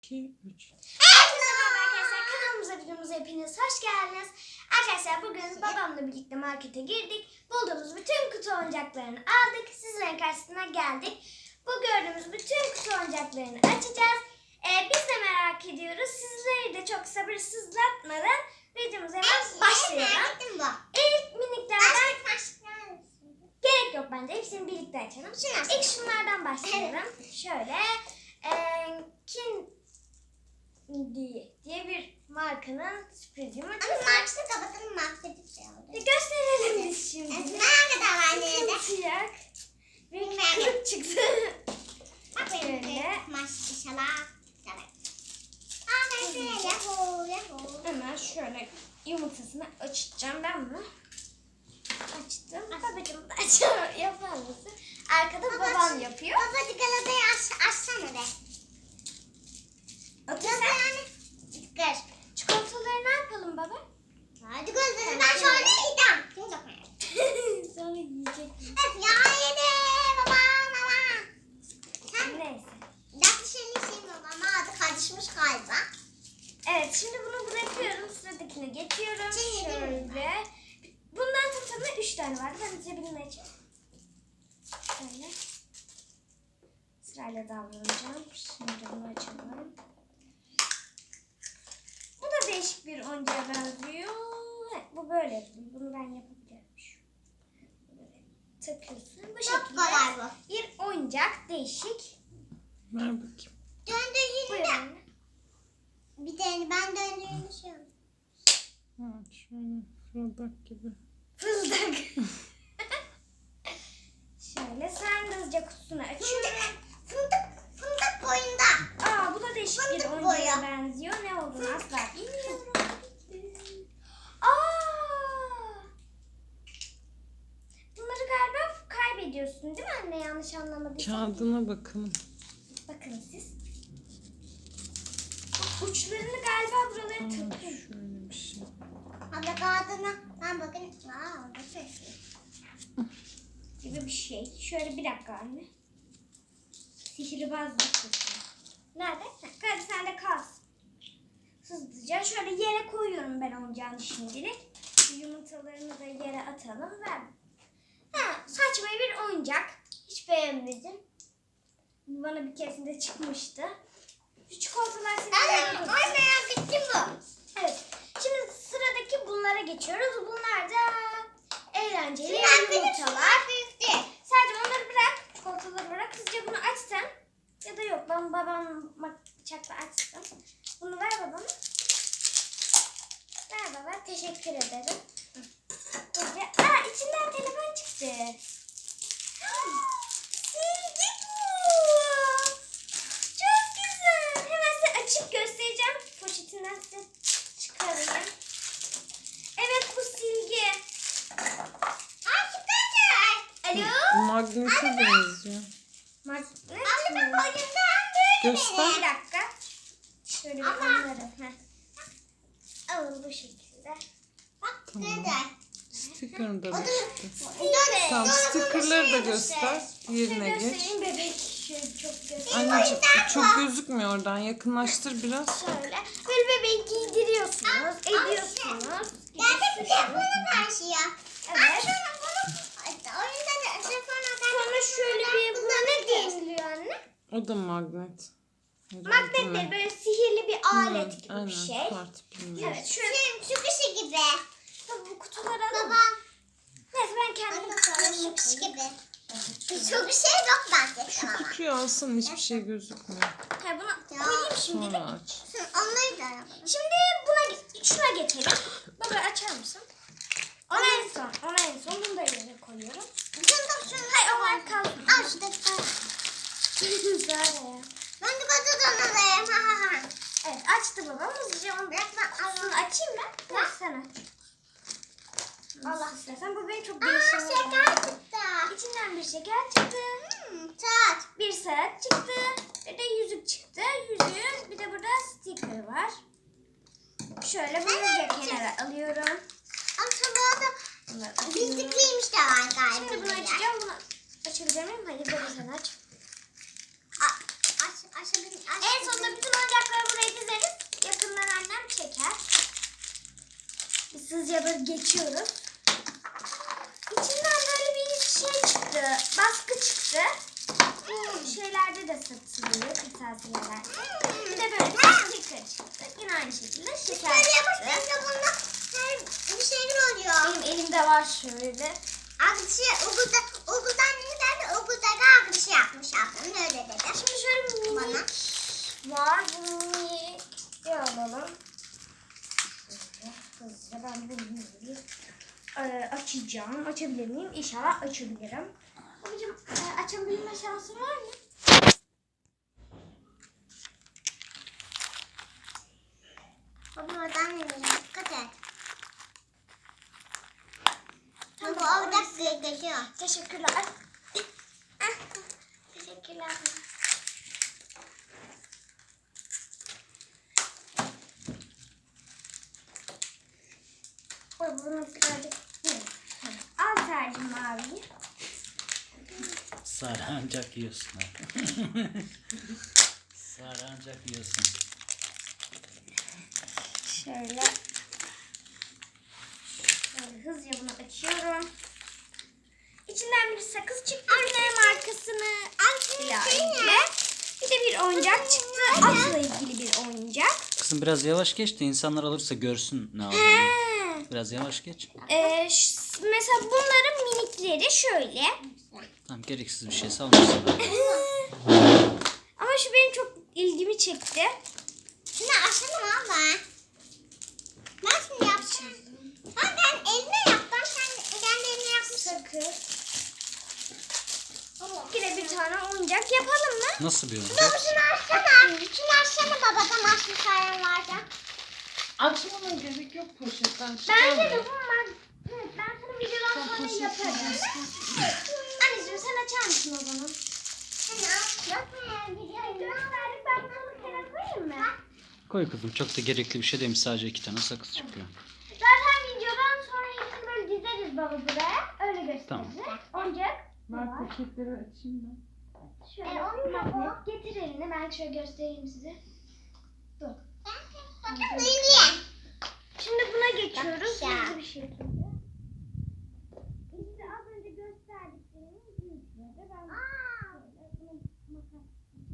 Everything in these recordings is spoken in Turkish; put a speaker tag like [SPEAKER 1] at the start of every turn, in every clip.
[SPEAKER 1] 2, 3.
[SPEAKER 2] Herkese merhaba arkadaşlar. Kanalımıza, videomuza hepiniz hoş geldiniz. Arkadaşlar bugün babamla birlikte markete girdik. Bulduğumuz bütün kutu oyuncaklarını aldık. Sizlerin karşısına geldik. Bu gördüğümüz bütün kutu oyuncaklarını açacağız. Biz de merak ediyoruz. Sizleri de çok sabırsızlatmadan videomuza hemen başlayalım. İlk miniklerden gerek yok bence. Hepsini birlikte açalım. İlk şunlardan başlayalım. Şöyle diye bir markanın sürpriz yumurtası.
[SPEAKER 3] Ama markası kapatalım, markası şey oldu.
[SPEAKER 2] Gösterelim biz şimdi.
[SPEAKER 3] Ne kadar var nerede?
[SPEAKER 2] Sıcak. Ve kırık çıktı.
[SPEAKER 3] Bak benim de maşallah. Aa ben de yahu.
[SPEAKER 2] Hemen şöyle yumurtasını açacağım ben bunu. Açtım. Babacığım da yapar mısın? Arkada babam yapıyor.
[SPEAKER 3] Babacık galatayı açsana be.
[SPEAKER 2] Atırsan
[SPEAKER 3] Kır.
[SPEAKER 2] çikolataları ne yapalım baba?
[SPEAKER 3] Hadi gözlerim ben şöyle yiyeceğim. Kim yapar?
[SPEAKER 2] Sonra yiyecek.
[SPEAKER 3] Öf ya yedi. Baba. Sen
[SPEAKER 2] Neyse.
[SPEAKER 3] yaklaşık baba. Adı karışmış galiba.
[SPEAKER 2] Evet, şimdi bunu bırakıyorum. Sıradakine geçiyorum.
[SPEAKER 3] Şimdi
[SPEAKER 2] Şöyle. Bundan tutamda 3 tane vardı. Ben cebimden açayım. Şöyle. Sırayla davranacağım. Şimdi bunu açalım. Bu da değişik bir oyuncağa benziyor. Evet, bu böyle. Bunu ben yapabilirim. Böyle takıyorsun. Bu
[SPEAKER 3] Çok kolay bu.
[SPEAKER 2] şekilde bir oyuncak. Değişik.
[SPEAKER 1] Ver bakayım.
[SPEAKER 3] Döndüğünde.
[SPEAKER 2] Buyurun.
[SPEAKER 3] Bir tane ben döndüğünde şey oldu.
[SPEAKER 1] Ha, şöyle fırıldak gibi.
[SPEAKER 2] Fızdık. Şöyle sen de hızlıca kutusunu açıyorum.
[SPEAKER 3] Fındık boyunda.
[SPEAKER 2] Aa, bu da değişik bir
[SPEAKER 3] Fındık
[SPEAKER 2] oyuncağa
[SPEAKER 3] boyu.
[SPEAKER 2] benziyor. Ne olduğunu asla bilmiyorum. Aa! Bunları galiba kaybediyorsun değil mi anne? Yanlış anlamadıysam.
[SPEAKER 1] Kağıdına bakalım.
[SPEAKER 2] Bakın siz. Uçlarını galiba buralara
[SPEAKER 1] Aa,
[SPEAKER 2] takın
[SPEAKER 1] şöyle bir şey.
[SPEAKER 3] Abla kağıdına. Ben bakın. Aa orada ses.
[SPEAKER 2] gibi bir şey. Şöyle bir dakika anne. Sihirbazlık kutusu. Nerede? Hadi sen de kalsın. Hızlıca şöyle yere koyuyorum ben oyuncağını şimdilik. Şu yumurtalarını da yere atalım. Ver. Ha, saçma bir oyuncak. Hiç beğenmedim. Bana bir keresinde çıkmıştı. Şu çikolatalar
[SPEAKER 3] Anne merak ettim bu.
[SPEAKER 2] Evet. Şimdi sıradaki bunlara geçiyoruz. Bunlar da eğlenceli
[SPEAKER 3] Şunlar
[SPEAKER 2] yumurtalar.
[SPEAKER 3] büyüktü.
[SPEAKER 2] Sadece onları bırak. Çikolataları bırak. Hızlıca bunu aç sen. Ya da yok. Ben babam bıçakla açtım. Bunu ver babama. Ver baba. Teşekkür ederim. Hızlıca. Aa, içinden telefon çıktı. Silgi bu. Çok güzel. Hemen size açıp göstereceğim. Poşetinden size çıkarayım. Evet, bu silgi.
[SPEAKER 3] Aa süper.
[SPEAKER 2] Alo.
[SPEAKER 1] Magnete benziyor.
[SPEAKER 2] Magnet
[SPEAKER 3] Abla
[SPEAKER 2] mi?
[SPEAKER 3] bak oyundan böyle
[SPEAKER 1] Göster.
[SPEAKER 2] Bir dakika. Şöyle bir onları. Alın bu şekilde.
[SPEAKER 3] Bak
[SPEAKER 1] Tamam.
[SPEAKER 3] dede.
[SPEAKER 1] Sticker'ını da
[SPEAKER 3] O da
[SPEAKER 1] çıktı.
[SPEAKER 2] Evet.
[SPEAKER 1] Tamam, sticker'ları da göster.
[SPEAKER 2] Şöyle
[SPEAKER 1] Yerine geç.
[SPEAKER 2] göstereyim bebek. Şöyle çok göster.
[SPEAKER 1] Anneciğim çok gözükmüyor oradan. Yakınlaştır biraz.
[SPEAKER 2] Şöyle. Böyle bebeği giydiriyorsunuz. Ediyorsunuz.
[SPEAKER 3] Dede bir telefonu karşıya.
[SPEAKER 2] Evet.
[SPEAKER 3] Oyunda da telefonu
[SPEAKER 2] Sonra şöyle bir buna ne deniliyor anne?
[SPEAKER 1] O da magnet. Herhalde
[SPEAKER 2] Magnet
[SPEAKER 1] mi?
[SPEAKER 2] değil, böyle sihirli bir alet gibi
[SPEAKER 1] Aynen,
[SPEAKER 2] bir şey.
[SPEAKER 1] Kart bilmiyorum.
[SPEAKER 2] Evet, şöyle
[SPEAKER 3] Şu kişi gibi.
[SPEAKER 2] tabii bu kutuları alalım.
[SPEAKER 3] Baba.
[SPEAKER 2] Neyse ben kendim
[SPEAKER 3] Şu kişi gibi. Çok bir şey yok bence.
[SPEAKER 1] Şu kutuyu alsın, hiçbir şey gözükmüyor.
[SPEAKER 2] Hayır, bunu koyayım şimdilik.
[SPEAKER 1] Sonra aç.
[SPEAKER 3] Onları da yapalım.
[SPEAKER 2] Şimdi şuna geçelim. Baba açar mısın? Ona en son bunu da yerine koyuyorum. Hayır, onlar kalsın.
[SPEAKER 3] Al şu defter.
[SPEAKER 2] Güzel ya.
[SPEAKER 3] Ben de patates alayım. Ha ha ha.
[SPEAKER 2] Evet, açtı babam. Hızlıca onu
[SPEAKER 3] Bırak ben
[SPEAKER 2] Şunu
[SPEAKER 3] alayım.
[SPEAKER 2] açayım ben. Ver sen aç. Allah istersen bu benim çok
[SPEAKER 3] Aa
[SPEAKER 2] değişik.
[SPEAKER 3] şeker çıktı.
[SPEAKER 2] İçinden bir şeker çıktı.
[SPEAKER 3] Saat.
[SPEAKER 2] Bir saat çıktı. Bir de yüzük çıktı. Yüzüğün bir de burada sticker var. Şöyle bunu da kenara alıyorum.
[SPEAKER 3] Ama burada
[SPEAKER 2] Bunları açıyorum.
[SPEAKER 3] bildikliymiş de var galiba.
[SPEAKER 2] Şimdi bunu açacağım. Bunu açabilir miyim? Hayır, böyle sen aç.
[SPEAKER 3] Aç
[SPEAKER 2] En sonunda bütün oyuncakları buraya dizeriz. Yakından annem çeker. Biz hızlıca böyle geçiyoruz. İçinden böyle bir şey çıktı. Baskı çıktı. Bu şeylerde de satılıyor. Kırtasiyelerde. Bir de böyle bir sticker çıktı. Yine aynı şekilde şeker çıktı.
[SPEAKER 3] Bir şeyler oluyor.
[SPEAKER 2] Benim elimde var şöyle.
[SPEAKER 3] Arkadaşı okuldan ne derdi? Okuldaki arkadaşı yapmış ablam. Öyle dedi.
[SPEAKER 2] Şimdi şöyle bir
[SPEAKER 3] Bana.
[SPEAKER 2] var. Bunu bir alalım. Şöyle hızlıca ben bunu açacağım. Açabilir miyim? İnşallah açabilirim. Babacığım açabilme şansın var mı?
[SPEAKER 3] Baba oradan ne diyeceğim? Dikkat et. Bu orada geziyor.
[SPEAKER 2] Teşekkürler. Teşekkürler. Bunu birazcık al tercih maviyi.
[SPEAKER 4] Sarı ancak yiyorsun. Sarı ancak yiyorsun.
[SPEAKER 2] Şöyle hızlıca bunu açıyorum. İçinden bir sakız çıktı. Anne markasını ile ilgili. Bir de bir oyuncak çıktı. Atla ilgili bir oyuncak.
[SPEAKER 4] Kızım biraz yavaş geç de insanlar alırsa görsün ne olduğunu. Biraz yavaş geç.
[SPEAKER 2] Mesela bunların minikleri şöyle.
[SPEAKER 4] Tamam gereksiz bir şey salmışsın.
[SPEAKER 2] Ama şu benim çok ilgimi çekti.
[SPEAKER 3] Şunu açalım abla. Nasıl yapacağım? Ben eline yaptım. Sen eline yapmışsın.
[SPEAKER 2] Sakız. Yine bir tane oyuncak yapalım mı?
[SPEAKER 4] Nasıl bir oyuncak?
[SPEAKER 3] Baba şunu açsana. Şunu açsana babadan açmış halen varsa.
[SPEAKER 1] Açmana gerek yok poşetten.
[SPEAKER 2] Bence de bunlar. Evet, ben sana videodan sonra yaparım. Anneciğim sen açar mısın o zaman? Gösterdik, ben bunu kenara koyayım mı?
[SPEAKER 4] Koy kızım, çok da gerekli bir şey demiş, sadece 2 tane sakız çıkıyor.
[SPEAKER 2] Zaten videodan sonra hepsini böyle dizeriz baba buraya. Öyle gösteririz.
[SPEAKER 4] Tamam.
[SPEAKER 2] Oyuncak.
[SPEAKER 1] Ben poşetleri açayım da.
[SPEAKER 2] Şöyle magnet. Getir elini, ben şöyle göstereyim size. Dur. Şimdi buna geçiyoruz. Hızlı bir şekilde. İşte az önce gösterdiklerimiz yüzleri. Ben şöyle bunu makas.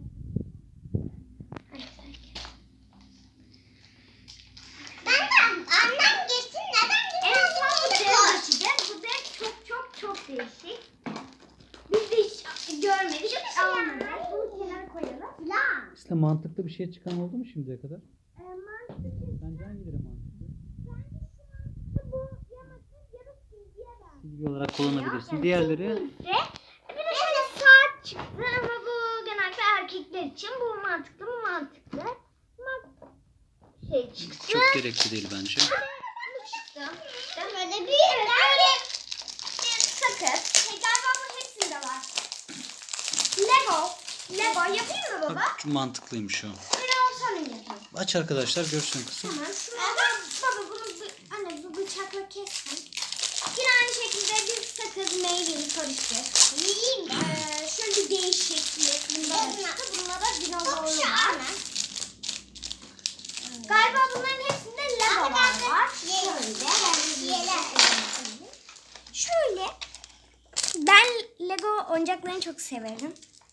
[SPEAKER 3] Annem geçsin neden
[SPEAKER 2] En son bu dev açacağız. Bu dev çok değişik. Biz de hiç görmedik. Almadık. Bunu kenara koyalım.
[SPEAKER 4] İşte mantıklı bir şey çıkan oldu mu şimdiye kadar?
[SPEAKER 2] Mantıklı.
[SPEAKER 4] Sence hangileri mantıklı?
[SPEAKER 2] Bu yamasız yarı silgiye ben.
[SPEAKER 4] Bilgi olarak kullanabilirsin. Diğerleri
[SPEAKER 2] Bir de şöyle saat çıktı ama bu genelde erkekler için. Bu mantıklı mı mantıklı? Şey çıktı.
[SPEAKER 4] çok gerekli değil bence.
[SPEAKER 2] Bu çıktı.
[SPEAKER 3] Böyle bir
[SPEAKER 2] Evet böyle bir sakız. Galiba bu hepsinde var. Lego. Lego yapayım mı baba?
[SPEAKER 4] Bak, çok mantıklıymış o.
[SPEAKER 2] Böyle olsana yapayım.
[SPEAKER 4] Aç arkadaşlar görsün kızım.
[SPEAKER 2] Tamam. Baba bunu anne bu bıçakla kessin. Yine aynı şekilde bir sakız meyveli karışık.
[SPEAKER 3] yiyeyim mi?
[SPEAKER 2] Şöyle bir değişiklik. Bunda da çıktı. Bunda da dinozorlu var. Galiba bunların hepsinde Legolar var. Şöyle. Ben Lego oyuncaklarını çok severim.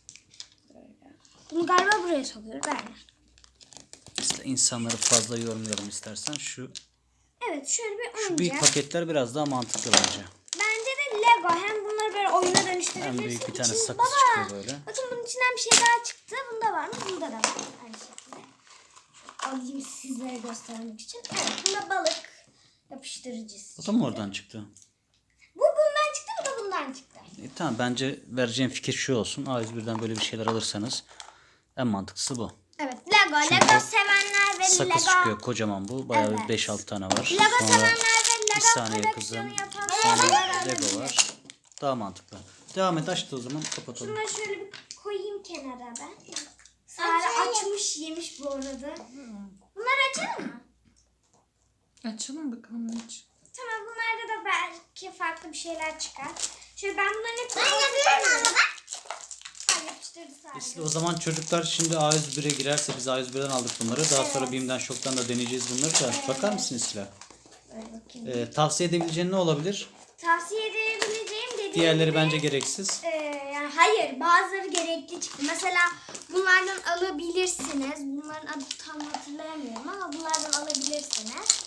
[SPEAKER 2] Bunu galiba buraya sokuyor. Ben.
[SPEAKER 4] İşte insanları fazla yorumlayalım istersen. Şu
[SPEAKER 2] Evet şöyle bir
[SPEAKER 4] büyük
[SPEAKER 2] oyuncak.
[SPEAKER 4] paketler biraz daha mantıklı bence.
[SPEAKER 2] Bence de Lego. Hem bunları böyle oyuna dönüştürebilirsin.
[SPEAKER 4] Hem büyük bir tane
[SPEAKER 2] İçin-
[SPEAKER 4] sakız
[SPEAKER 2] Baba,
[SPEAKER 4] çıkıyor böyle.
[SPEAKER 2] bakın bunun içinden bir şey daha çıktı. Bunda var mı? Bunda da var. Aynı şekilde. Alayım sizlere göstermek için. Evet bunda balık yapıştırıcısı.
[SPEAKER 4] O da mı oradan çıktı?
[SPEAKER 2] Bu bundan çıktı, bu da bundan çıktı.
[SPEAKER 4] Tamam, bence vereceğim fikir şu olsun. A101'den böyle bir şeyler alırsanız en mantıklısı bu.
[SPEAKER 2] Evet Lego.
[SPEAKER 4] Çünkü
[SPEAKER 2] Lego sevenler ve
[SPEAKER 4] Sakız
[SPEAKER 2] Lego.
[SPEAKER 4] çıkıyor kocaman bu. Bayağı
[SPEAKER 2] Evet.
[SPEAKER 4] 5-6 tane var.
[SPEAKER 2] Lego
[SPEAKER 4] Sonra
[SPEAKER 2] sevenler ve
[SPEAKER 4] bir
[SPEAKER 2] Lego
[SPEAKER 4] saniye
[SPEAKER 2] koleksiyonu
[SPEAKER 4] kızım.
[SPEAKER 2] yapanlar
[SPEAKER 4] Sonra
[SPEAKER 2] alabilir.
[SPEAKER 4] Lego var. Daha mantıklı. Devam et, açtı o zaman kapatalım.
[SPEAKER 2] Şunları şöyle bir koyayım kenara ben. Sara açmış yemiş bu arada. Bunları açalım mı?
[SPEAKER 1] Açalım bakalım hiç.
[SPEAKER 2] Tamam bunlarda da belki farklı bir şeyler çıkar. Şöyle ben bunların hepsini
[SPEAKER 3] Ben yapıyorum ama bak.
[SPEAKER 2] yapıştırdı sadece.
[SPEAKER 4] Esile, o zaman çocuklar şimdi A101'e girerse, biz A101'den aldık bunları. Daha sonra BİM'den, Şok'tan da deneyeceğiz bunları da. Bakar mısın Esile?
[SPEAKER 2] Böyle bakayım.
[SPEAKER 4] Tavsiye edebileceğin ne olabilir?
[SPEAKER 2] Tavsiye edebileceğim dediğim
[SPEAKER 4] Diğerleri
[SPEAKER 2] gibi,
[SPEAKER 4] bence gereksiz.
[SPEAKER 2] yani hayır, bazıları gerekli çıktı. Mesela bunlardan alabilirsiniz. Bunların adı tam hatırlayamıyorum ama bunlardan alabilirsiniz.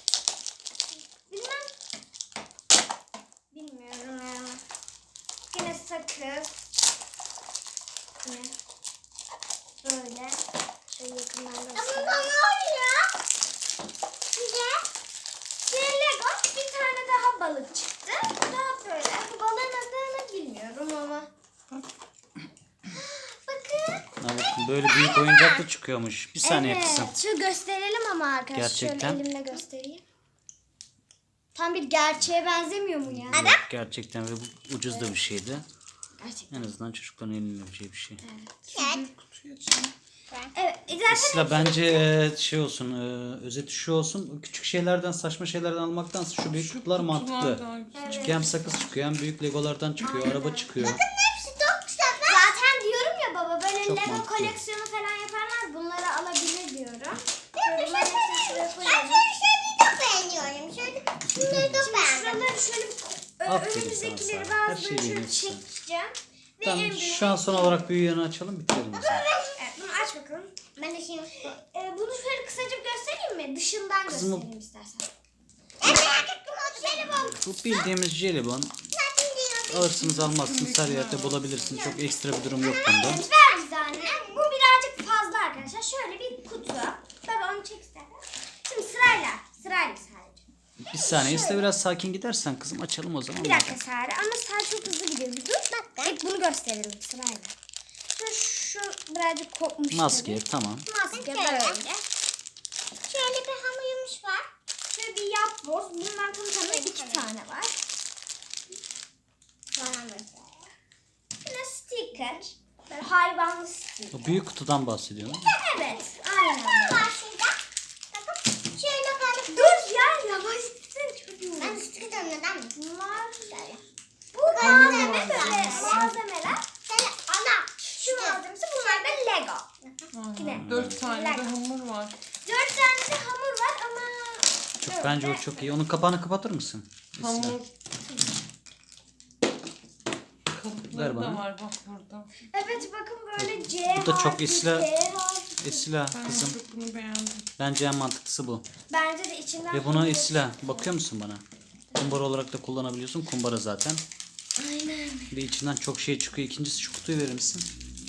[SPEAKER 2] Bilmiyorum yani. Yine sakız. Yine böyle. Şöyle yakından
[SPEAKER 3] Bunda
[SPEAKER 2] göstereyim.
[SPEAKER 3] ne oluyor? Size?
[SPEAKER 2] Bir Lego, bir tane daha balık çıktı. Daha böyle. Bu balığın adını bilmiyorum ama. Bakın.
[SPEAKER 4] Evet, böyle büyük oyuncak da çıkıyormuş. Bir saniye
[SPEAKER 2] Evet.
[SPEAKER 4] kızım.
[SPEAKER 2] Şu gösterelim ama arkadaşlar.
[SPEAKER 4] Gerçekten.
[SPEAKER 2] Şöyle elimle göstereyim. Tam bir gerçeğe benzemiyor mu ya?
[SPEAKER 4] Yok, gerçekten ve bu ucuz da bir şeydi.
[SPEAKER 2] Gerçekten.
[SPEAKER 4] En azından çocukların elinebileceği bir şey.
[SPEAKER 1] Büyük kutuyu açayım.
[SPEAKER 2] Evet. Zaten
[SPEAKER 4] Esra, bence şey olsun, özeti şu olsun. Küçük şeylerden, saçma şeylerden almaktansa şu büyük kutular
[SPEAKER 1] Kutular
[SPEAKER 4] mantıklı.
[SPEAKER 1] daha güzel.
[SPEAKER 4] Çünkü hem sakız çıkıyor, hem büyük legolardan çıkıyor, araba çıkıyor.
[SPEAKER 3] Hepsi çok güzel.
[SPEAKER 2] Zaten diyorum ya baba, böyle
[SPEAKER 4] Çok
[SPEAKER 2] Lego
[SPEAKER 4] mantıklı.
[SPEAKER 2] koleksiyonu falan yaparlar. Bunları alabilir diyorum. Şöyle bunların hepsini şuraya
[SPEAKER 3] Ben
[SPEAKER 2] koyalım.
[SPEAKER 3] şöyle şeyleri çok beğeniyorum. Şunları çok
[SPEAKER 2] Şimdi
[SPEAKER 3] beğendim.
[SPEAKER 2] şuraları şöyle
[SPEAKER 4] Aferin
[SPEAKER 2] önümüzdekileri
[SPEAKER 4] sana, her
[SPEAKER 2] bazılarını
[SPEAKER 4] şeyi
[SPEAKER 2] şöyle
[SPEAKER 4] beğenirsin.
[SPEAKER 2] çekeceğim. Ve
[SPEAKER 4] Tamam,
[SPEAKER 2] en büyüğünü-
[SPEAKER 4] şu an son olarak büyüğünü açalım, bitirelim o zaman.
[SPEAKER 2] Evet, bunu aç bakalım.
[SPEAKER 3] Ben de şimdi.
[SPEAKER 2] Bunu şöyle kısacık göstereyim mi? Dışından
[SPEAKER 4] Kızım,
[SPEAKER 2] göstereyim istersen.
[SPEAKER 3] En merak ettim o jelibon.
[SPEAKER 4] Bu bildiğimiz jelibon.
[SPEAKER 3] Zaten diyorum.
[SPEAKER 4] Alırsınız almazsınız, her yerde bulabilirsiniz. Çok ekstra bir durum yok bunda.
[SPEAKER 2] Evet, ver bize anne. Bu birazcık fazla arkadaşlar. Şöyle bir kutu. Baba onu çek istersen. Şimdi sırayla sadece.
[SPEAKER 4] Bir saniye, Esra, biraz sakin gidersen kızım, açalım o zaman.
[SPEAKER 2] Bir dakika Sare, ama Sare çok hızlı gidiyor. Bir dur. İlk bunu gösterelim sırayla. Şu birazcık kopmuş.
[SPEAKER 4] Maske,
[SPEAKER 2] tabii.
[SPEAKER 4] tamam.
[SPEAKER 2] Maske
[SPEAKER 3] Şöyle.
[SPEAKER 2] böyle.
[SPEAKER 3] Şöyle bir hamurumuz var.
[SPEAKER 2] Şöyle bir yapboz. Bundan tamına 2 tane var.
[SPEAKER 3] Bana mesela.
[SPEAKER 2] Yine sticker. Böyle hayvanlı sticker.
[SPEAKER 4] O büyük kutudan bahsediyorum.
[SPEAKER 2] Evet, aynen.
[SPEAKER 3] Ne var şurada? Bakın. Şöyle böyle.
[SPEAKER 2] Dur ya, yavaş gitsene çocuğum.
[SPEAKER 3] Ben sıkıyorum neden mi?
[SPEAKER 2] Bunlar
[SPEAKER 3] Şöyle.
[SPEAKER 2] bu malzeme böyle malzemeler.
[SPEAKER 3] Şöyle ana.
[SPEAKER 2] Şu malzemesi, bunlar da Lego. Yine.
[SPEAKER 1] 4 tane de
[SPEAKER 2] Lego.
[SPEAKER 1] hamur var.
[SPEAKER 2] 4 tane de hamur var ama
[SPEAKER 4] Çok, bence o çok iyi. Onun kapağını kapatır mısın? Esra?
[SPEAKER 1] Hamur.
[SPEAKER 4] Ver
[SPEAKER 1] Kalıpları da
[SPEAKER 4] bana.
[SPEAKER 1] var bak burada.
[SPEAKER 2] evet, bakın böyle C
[SPEAKER 4] Bu da çok
[SPEAKER 2] harfi,
[SPEAKER 4] Esra-
[SPEAKER 2] G harfi.
[SPEAKER 4] Esila
[SPEAKER 1] Ben
[SPEAKER 4] kızım,
[SPEAKER 1] çok bunu beğendim.
[SPEAKER 4] bence en mantıklısı bu.
[SPEAKER 2] Bence de içinden
[SPEAKER 4] Ve buna
[SPEAKER 2] hamur
[SPEAKER 4] Esila, bakıyor musun bana? Kumbara olarak da kullanabiliyorsun. Kumbara zaten.
[SPEAKER 2] Aynen.
[SPEAKER 4] Ve içinden çok şey çıkıyor. İkincisi, şu kutuyu verir misin?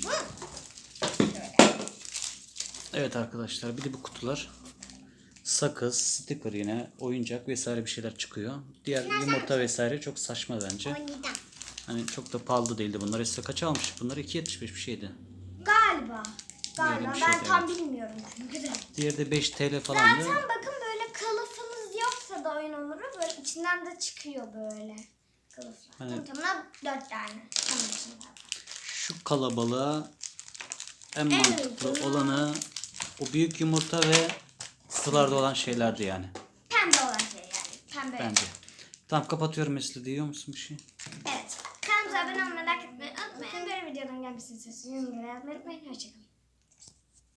[SPEAKER 4] Evet arkadaşlar, bir de bu kutular. Sakız, sticker, yine oyuncak vesaire bir şeyler çıkıyor. Diğer yumurta vesaire çok saçma bence.
[SPEAKER 3] Oynayacağım.
[SPEAKER 4] Hani çok da pahalı değildi bunlar. Esra kaça almış? Bunlar 2.75 bir şeydi.
[SPEAKER 2] Galiba.
[SPEAKER 4] Öyle bir
[SPEAKER 2] Ben
[SPEAKER 4] şeydi,
[SPEAKER 2] tam bilmiyorum çünkü de.
[SPEAKER 4] Diğeri de 5 TL falandı.
[SPEAKER 2] Zaten bakın, böyle kılıfınız yoksa da oyun hamuru böyle içinden de çıkıyor böyle kılıflar.
[SPEAKER 4] Hani-
[SPEAKER 2] Tamına 4 tane. Tamam şimdi.
[SPEAKER 4] Şu kalabalığa en
[SPEAKER 2] En
[SPEAKER 4] mantıklı
[SPEAKER 2] uygun.
[SPEAKER 4] olanı o büyük yumurta ve kutularda olan şeylerdi yani.
[SPEAKER 2] Pembe olan şey yani. Pembe.
[SPEAKER 4] Bence. Tamam, kapatıyorum Esra. Diyor musun bir şey?
[SPEAKER 2] Evet. Kanalımıza abone olmayı, like etmeyi unutmayın. Böyle videoların gelmesini istiyorsanız yorumlara yazmayı unutmayın. Hoşçakalın.